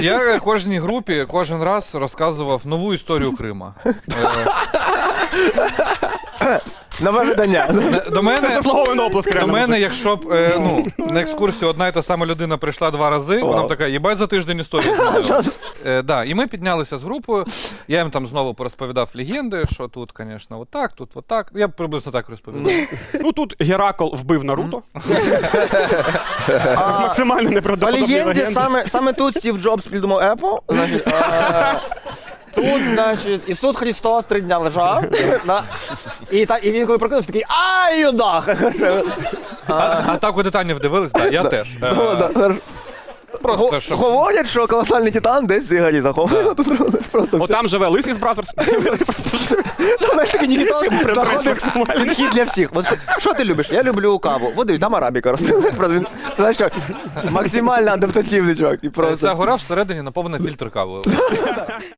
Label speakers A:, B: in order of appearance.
A: Я кожній групі кожен раз розказував нову історію Крима.
B: Нове видання.
C: Це заслуговано оплеск.
A: До мене, якщо б на екскурсію одна і та сама людина прийшла 2 рази, вона б така, їбать за тиждень історію змінила. І ми піднялися з групою, я їм там знову порозповідав легенди, що тут, звісно, отак, тут отак. Я приблизно так розповідав.
C: Ну тут Геракл вбив Наруто. Максимально
B: По
C: неправдоподобні
B: легенді,
C: легенди.
B: саме тут Стів Джобс придумав Apple. Значить, тут, значить, Ісус Христос 3 дня лежав. І він коли прокинувся, такий ай, юдах!
A: А так у Титанів дивились? Так, я теж. Просто, щоб...
B: Говорять, що колосальний титан десь в цій горі захований.
C: О, там живе Лисий з Бразерс.
B: Знаєш, такий Нікітос заходить підхід для всіх. Що ти любиш? Я люблю каву. Води, там арабіка росте. Знаєш що, максимально адаптативний чувак.
A: Ця гора всередині наповнена фільтр кавою.